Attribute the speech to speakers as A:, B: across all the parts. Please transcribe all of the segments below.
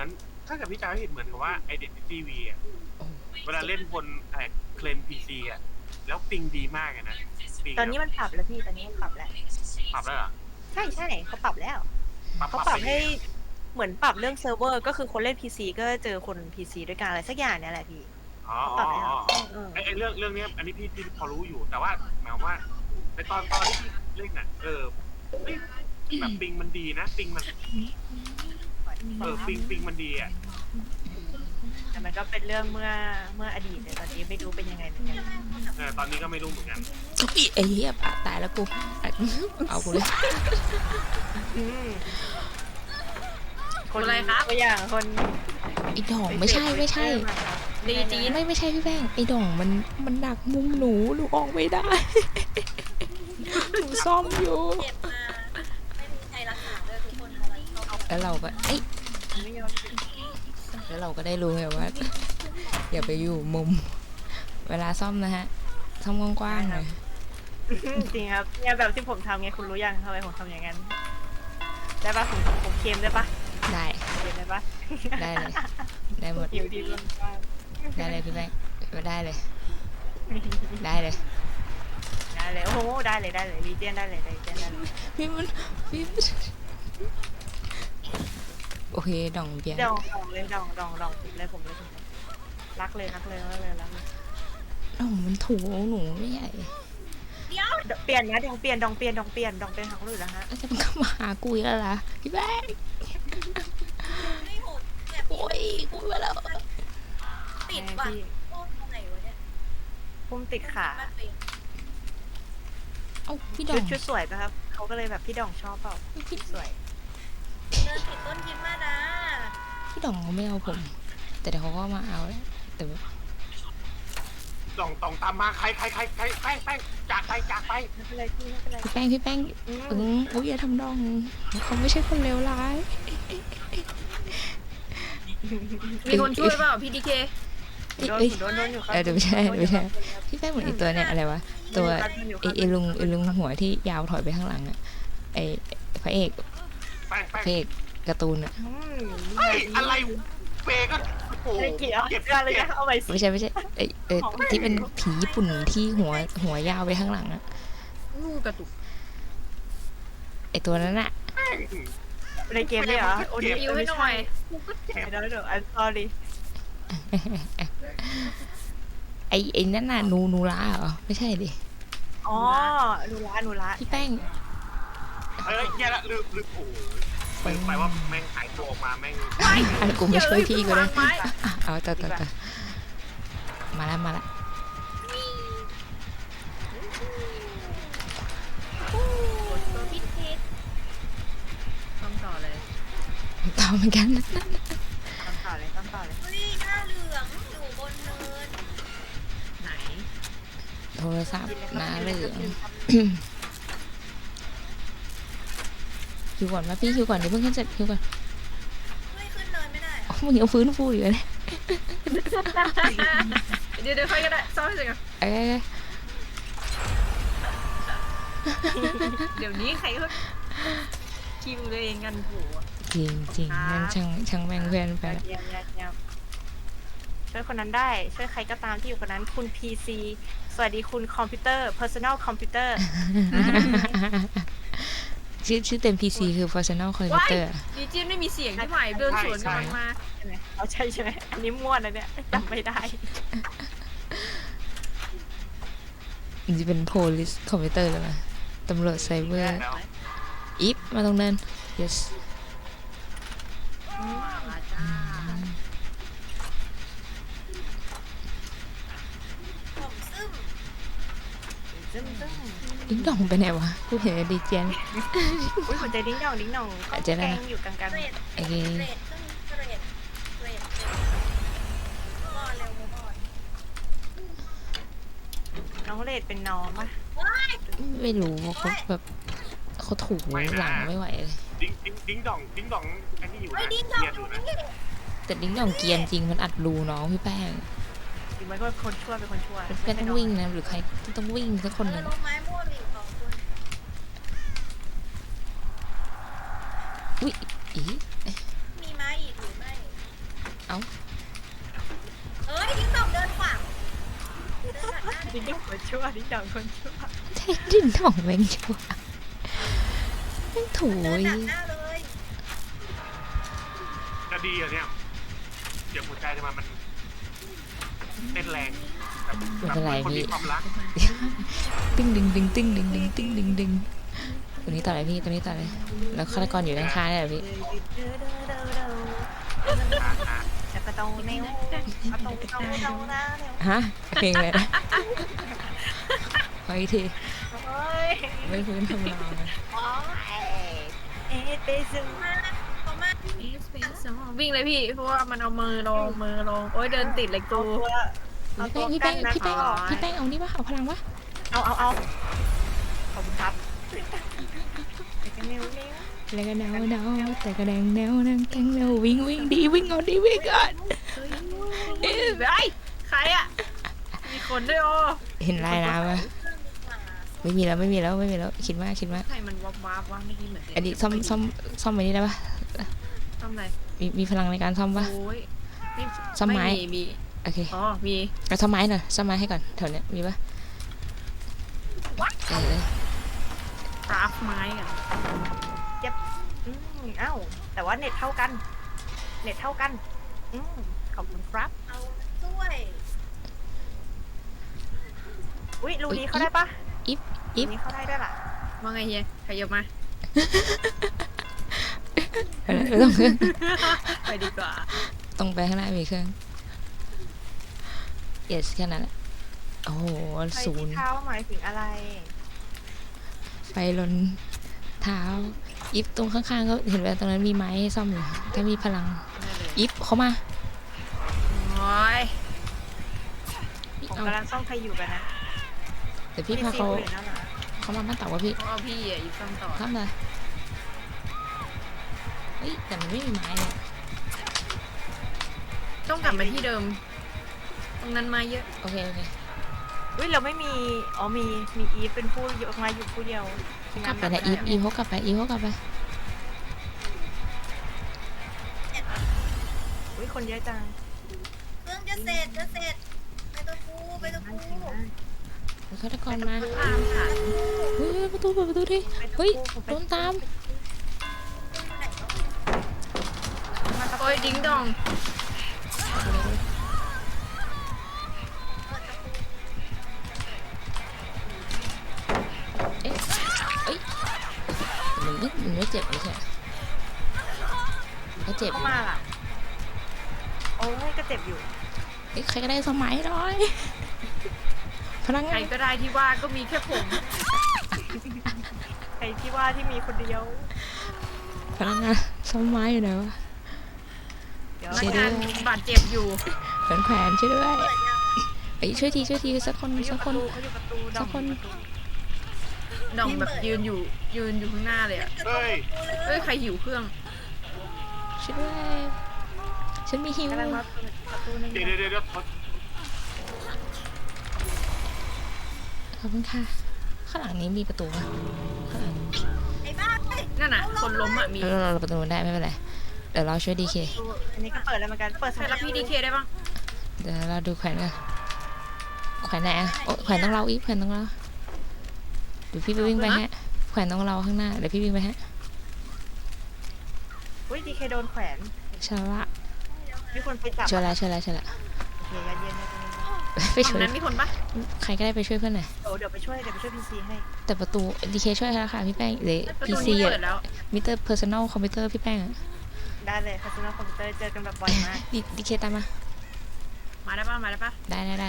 A: มือนถ้าเกิดพี่จำไม่ผิดเหมือนกับว่า Identity V อ่ะเวลาเล่นบนเคลน PC อ่ะแล้วปิงดีมากเลยนะปิง
B: ตอนนี้มันปรับแล้วพี่ตอนนี้มันปรับแล้ว
A: ปรับแล้วเหรอ
B: ใช่ใช่เขาปรับแล้วเขาปรับให้เหมือนปรับเรื่องเซิร์ฟเวอร์ก็คือคนเล่น PC ก็เจอคน PC ด้วยกันอะไรสักอย่างเนี่ยแหละพี่
A: อ๋อ
B: เขาปรับแล้ว
A: ไอเรื่องนี้อันนี้พี่พอรู้อยู่แต่ว่าหมายว่าในตอนที่พี่เล่นน่ะแบบปิงมันดีนะปิงมันปิงมันดีอ่ะ
B: แต่มันก็เป็นเรื่องเมื่ออดีตแต่ตอนนี้ไม่รู้เป็นยังไงเหมือนกัน
A: ตอนนี้ก็ไม่รู้เหมือนกัน
C: อุ๊ยไอ้เหี้ยตายแล้วกูเอากูเลย
B: คนอะไรครับตัวอย่างคน
C: ไอ้ดองไม่ใช่
B: ดีจีน
C: ไม่ใช่พี่แป้งไอ้ดองมันดักมุมหนูออกไม่ได้หนูซ่อมอยู่
D: เจ็บมาไม่มีใครรักษาเลยทุกคนอะไรเขา
C: แล้วเราก็แล้วเราก็ได้รู้ไงว่าอย่าไปอยู่มุมเวลาซ่อมนะฮะซ่อมกว้างๆหน่อย
B: จริงครับเนี่ยแบบที่ผมทำไงคุณรู้ยังทำไมผมทำอย่างนั้นได้ปะผมเค็มได้ปะ
C: ได้
B: เค็มได้ปะ
C: ได้เลยได้หมด
B: หิวดีล้นบ้าน
C: ได้เลยพี่แป้งได้เลย
B: โอ้โหได้เลยรีเจนได้เลย
C: พี่โอเคดองเบียร์
B: ดองเลยผมรักเลย
C: ดองมันถูหนูไม่ใหญ่
B: เปลี่ยนนะดองเปลี่ยนหาคนอื่นแล้วฮะ
C: แล้วจะมันก็มาหากูอีกแล้วล่ะพี่แป้ง
D: ไม่โหดแบบ
C: โอ้ยกูไปแล้ว
D: ติดว่ะโอ้ตรงไหนวะเนี่ย
B: พุ่มติดขา
D: บ้านเป็น
C: เอ้าพี่ดอง
B: ชุดสวยปะครับเขาก็เลยแบบพี่ดองชอบเปล่าสวย
D: เดินติดต้นคิดมานะ
C: พี่ดองเขาไม่เอาผม แต่เดี๋ยวเขาก็มาเอาแล้วแต่ว่า
A: ต้องตามมาใครไปจากไป
B: ไม่เป็นไรพี่ไม่เป็นไร
C: พี่แป้งโอ้ยอย่าทำดองเขาไม่ใช่คนเลวร้าย
D: มีคนช่วยเปล่าพี่ดีเค
B: โดนอยู่ครับ
C: เดี๋ยวไม่ใช่พี่แป้งเหมือนไอตัวเนี่ยอะไรวะตัวไอลุงหัวที่ยาวถอยไปข้างหลังอะไอพระเอกการ์ตูนอะ
A: อะไรเปก็โอ้
B: ไม่เกี่ยวกันเลยนะเอาไปสิ
C: ไม่ใช่ไอที่เป็นผีญี่ปุ่นที่หัวยาวไปข้างหลังอะ
D: งูกระตุก
C: ไอตัวนั้นอะ
B: ในเกมเลยเหรอโอ้ย
D: บิวให้หน่อย
B: เดี๋ยวI'm sorry
C: ไอนั่นน่ะนูราเหรอไม่ใช่ดิ
B: อ๋อหนูละ
C: พี่แป้ง
A: แย่ละลืมโอ้ไปว่าแม่งหายตัวออกมาแม่ง
C: อันกูไม่ช่วยพี่ก็ได้
D: ไม้
C: เอาต่อมาแล้ว
D: ตัวพิษพิษ
B: ต้องต่อเลย
C: ต่อเหมือนกัน
B: ต้องต่อเลย
D: เฮ้ยหน้าเหลืองอยู่บนเนิน
B: ไหน
C: โทรศัพท์หน้าเหลืองคิวก่อนมาพี่คิวก่อนเดี๋ยวเพิ่งขึ้นเสร็จคิวก่อน
D: เฮ้ยขึ้นเนินไม่ได้
C: มึงยังฟื้นฟูอยู่เลย
D: เดี๋ยวค่อยก็ได้ซ่อมให้เสร็จก่อน
B: เดี๋ยวนี้ใครก็คิวตัวเองกันผัว
C: จริงงั้นช่างแม่งเพื่อนไปละ
B: เยี่ยมช่วยคนนั้นได้ช่วยใครก็ตามที่อยู่คนนั้นคุณ PC สวัสดีคุณคอมพิวเตอร์ personal computer
C: ชื่อเต็ม PC คือ personal computer
D: ดีจีนไม่มีเสียงที่ใหม่เดินสวนกำลังมา
B: ใช่ไหมเอาใช่ไหมอันนี้ม่วนนะเนี่ยจำไม่ได้
C: มันจะเป็น police computer เลยนะตำรวจไซเบอร์อีฟมาตรงนั้น yes
D: ผมซึม
C: ดิ้งดองไปไหนวะกูเห็นดีเจน
B: อุ้ยหัวใจดิ้งดองก็แกงอยู่กลาง
D: เรด
C: โอเค
D: เรดขึ้นเรดมอนเร็วมอน
B: ๆน้องเลดเป็นน้องปะ
C: ไม่รู้ว่าเขาแบบเขาถูหลังไม่ไหวเลย
A: ดิ้งดองอันนี้อยู่
D: เฮ้ย
A: นะ
D: ดิ้งด
A: เกี
D: อย
A: ร์อยู่
D: ง
A: นะ
D: นี่
C: แต่ดิ้งดองเกียนจริงมันอัดรูน้องพี่แป้ง
B: จริงมันก็เป็นคนชั่ว
C: เพื่อนต้องวิ่งนะหรือใครต้องวิ่งสักคนหนึ่ง
D: ลงไม้ม่วงอีก2 คน
C: อุ้ยอี
D: มีไม้อีกหรือไม่เอ้ยดิ้งดองเดินขวางเดินตัดหน้าได้
B: ดิ้งดองคนชั่วดิ้งดองคนชั่ว
C: ใช่ดินหน่องแมงชัวแม่งถู
D: เดิน
C: ย
D: ตัดหน้าเลย
A: จะดีอ่ะเนี่ยเดี๋ยวหัวใจจะมันเต้นแรงแบบคนมีความรัก
C: ติ้งดึงดึงติ้งดึงดึงติ้งดึงดึงตัวนี้ต่อเลยพี่ตัวนี้ต่อเลยแล้วฆาตกรอยู่ด้านข้างเนี่ยเหรอพี่
B: จะกระโดดแนวกระโดดแนวนะแนว
C: ฮะเพลงอะไรนะขออีกที
B: โอ้ย
C: ไม่พื้นทำลายนะ
B: โอ้ยเอ๊ะเปซึง
D: มาเขามา
E: วิ่งเลยพี่เพราะว่ามันเอามือลงโอ้ยเดินติดเลยกู
B: เอาตัว
C: พี่
B: กั
C: แป้
B: น
C: ง
B: นะ
C: พี่แป้งพี่แป้งเอานี่ปะเอาพลังปะ
B: เอาขอบคุณครับไปกันเร็ว
C: แล้วก็แนวแนวแต่ก็แดงแนวนั่งแกงแนววิ่งวิ่งดีวิ่งเอาดีวิ่งก่อน
E: เฮ้ยใครอ่ะมีคนด้วยโอ
C: เห็นลายน้ำปะไม่มีแล้วคิดว่า
E: ใครมันวับวับวะไม่ดีเหมือน
C: อันนี้ซ่อมไปนี่ได้ปะ
E: ทำไร
C: มีพลังในการซ่อมปะ
E: โอ้ย
C: ซ่อมไม้
E: มี
C: โอเค
E: อ๋อมี
C: ก็ซ่อมไม้หน่อยซ่อมไม้ให้ก่อนแถวเนี้ยมีปะเออ
E: คราฟไม้กัน
B: เอ้าแต่ว่าเน็ตเท่ากันขอบคุณครับ
D: เอาช่วย
B: อุ้ยรูนี้เข้าได้ปะ
C: อิฟ
B: นี้เข้าได้ด้วยล่ะ
E: ว่าไงเฮียขยับมา
C: ไม่ต้องเครื่อง
E: ไปดีกว่า
C: ตรงไปข้างหน้ามีเครื่อง yes แค่นั้นแหละโอ้โห
B: ไป
C: ศู
B: ที่
C: นย์
B: เท้าหมายถึงอะไร
C: ไปลนเท้าอิฟตรงข้างๆก็เห็นว่าตรงนั้นมีไม้ให้ซ่อมอยู่ถ้ามีพลังอิฟเขามา
E: โอ้ย
B: ผม
C: เอา
B: กำลังซ่อมใครอยู่กันนะ
C: เดี๋ยวพี่พาเขา
B: อยู่นั่นเหรอ
C: เขามาบ้านเต่าว่าพี่
E: เขาเอาพี่อ่ะอยู่ซ้ำต่อ
C: ทำเลยเฮ้ยแต่มันไม่มีไม้เลย
E: ต้องกลับมาที่เดิม ตรงนั้นมาเยอะ
C: โอเค
B: อุ้ยเราไม่มีมีอีฟเป็นผู้ยกมาอยู่ผู้เดียว
C: กลับไปนะอีฟเขากลับไป
B: อุ้ยคนเยอะจัง
D: เครื่องจะเสร็จไปตัวกูไปตัวกู
C: ฆาตกรมา
E: ตามฉัน
C: เฮ้ยประตูเปิดประตูดิเฮ้ยโดนตาม
E: โอ้ยดิ้งดอง
C: เอ๊ะเอ้ยมันไม่เจ็บไม่ใช่ก็เจ็บอ
B: เข้า
C: ยู่
B: มาล่ะโอ้ยก็เจ็บอยู่
C: เอ้ยใครก็ได้สมัยหน่อยพนัก
E: ใครง
C: าน
E: ก็ได้ที่ว่าก็มีแค่ผม
B: ใครที่ว่าที่มีคนเดียว
C: พนักงานสมัยอยู่ไหนวะ
B: เดี๋ยว
E: พนัก
C: เดี๋ยว
E: งานบาดเจ็บอยู่
C: แขวนช่วยด้วยเอ้ยช่วยทีสักคน
B: เขาอยู่
C: สัก
B: ป
C: ค
B: ระ
C: น
B: ตูเขาอยู่ประตูด
C: สั
B: อก ม
C: คน
B: อยู่ประตู
E: ดองแบบยืนอยู่ข้างหน้าเลยอ่ะ
A: เฮ้ย
E: เอ้ยใครหิวเครื่อง
C: ช่วยด้วยฉันมีหิว
B: กำลังมาเปิดประตูนึง
A: เดี๋ยว
C: ขอบคุณค่ะข้างหลังนี้มีประตูปะข้างหลัง
D: ไอ้บ้าเฮ้ย
E: นั่นน่ะ คนล้มอ่ะมี
C: เราประตูได้ไม่เป็นไรเดี๋ยวเราช่วยดีเค
B: อันนี้ก็เปิดแล้วเหมือนกันเปิด
E: ใครรับพี่ดีเคได้บ้าง
C: เดี๋ยวเราดูแขวนกันแขวนไหนอะโอ้แขวนต้องเราอีกแขวนต้องเราเดี๋ยวพี่ไปวิ่งไปฮะแขวนต้องเราข้างหน้าเดี๋ยวพี่วิ่งไปฮะ
B: อุ้ยดีเคโดนแขวน
C: ชาละ
B: มีคนไปจับ
C: ช่วยละ
B: โอเคยัดเยียนเลย
C: ไป
E: ฝั่
C: ช่
E: ง
C: วย
E: นั้นมีคนปะ
C: ใครก็ได้ไปช่วยเพื่อนหน่อย
B: เดี๋ยวไปช่วยพีซีให้
C: แต่ประตูดีเคช่วยแล้วค่ะพี่แป้งหรือ
E: ประ
C: พี
E: ตู
C: ซี
E: นี้
C: อะ
E: เปิดแล้ว
C: มิเตอร์เพอร์ซันอลคอมพิวเตอร์พี่แป้งอะ
B: ได้เลยคาสิโนคอมพิวเตอร์เจอกันแบบบ่อยมาก
C: ดีเคตามมา
E: มาได้ปะมาได้ปะ
C: ได้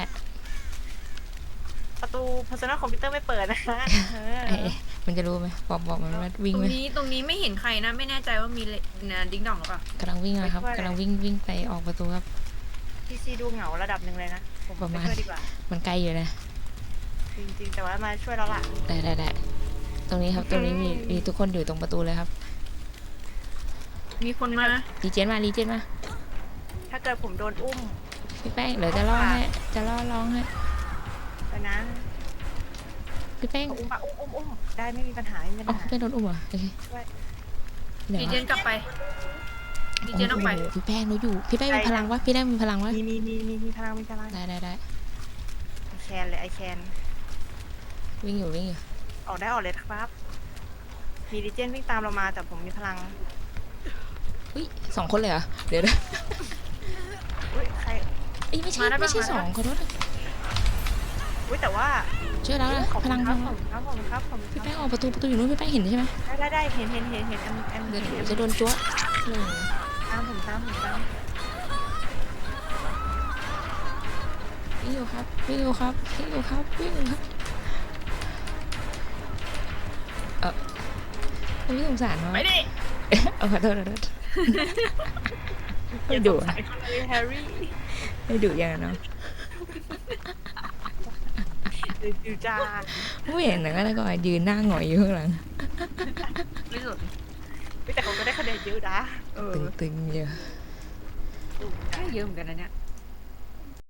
B: ประตู personal computer ไม่เปิดนะ
C: ไอ้มันจะรู้ไหมบอกมันว่าวิ่ง
E: ตร
C: ไหม
E: งนี้ไม่เห็นใครนะ ไม่แน่ใจว่ามีดิ้งดองหรือเปล่าก
C: ำลังวิ่งอะครับกำลังวิ่งไปออกประตูครับ
B: พีซีดูเหงาระดับหนึ่งเลยนะ ผม
C: ประ
B: ไป
C: มาณ
B: ช่วยดีกว่า
C: มันไกลอยู่นะ
B: จริงๆ แต่ว่ามาช่วยเราละ
C: ได้ตรงนี้ครับตรงนี้มีทุกคนอยู่ตรงประตูเลยครับ
E: มีคนมา
C: รีเจนมา
B: ถ้าเกิดผมโดนอุ้ม
C: พี่แป้งเดี๋ยวจะล่อร้องให้
B: ไปนะ
C: พี่แป้ง
B: อุ้มปะอุ้มได้ไม่มีปัญหาไม่มี
C: อ๋อ
B: ปัญหา
C: ไม่โดนอุ้มเหรอโอเค
B: ช่วย
C: เดี๋ยว
E: ดีเจนกลับไปดีเจต้องไป
C: โอ้โหพี่แป้งเราอยู่พี่แป้งมีพลังวะพี่แป้งมีพลังวะ
B: มีพลัง
C: ได้
B: ไอแคนเลยไอแคน
C: วิ่งอยู่
B: ออกเลยครับ มีดิเจนวิ่งตามเรามาแต่ผมมีพลัง
C: อุ้ย2 คนเลยเหรอเดี๋ยวนะ
B: อุ้ยใคร
C: เอ้ยไม่ใช่2ขอโทษนะ
B: อุ้ยแต่ว่า
C: ช่วยแล้วนะ
B: ขอบ
C: พ
B: คุณ
C: ลัง
B: ครับ
C: พี่แป้งออกประตูอยู่นู้นพี่แป้งเห็นใช่ไหม
B: ได้เห็นแอม
C: เดี๋ยวจะโดนจ้วะ
B: ตาม
C: วิ่งอยู่ครับไม่สงสารวะ
E: ไปดิ
C: เอาขอโทษไม่ดุ
B: ใส่คนเลยแฮร์รี่
C: ไม่ดุอย่างนั้นเนาะ
B: ดูจ้า
C: ไม่เห็นนะแล้วก็ยืนหน้าหงอยอยู่ข้างหลัง
E: ไม่สุด
B: แต่เขาก็ได้คะแนนเยอะนะ
C: ตึงๆเยอะ
E: เยอะเหมือนกันนะเนี่ย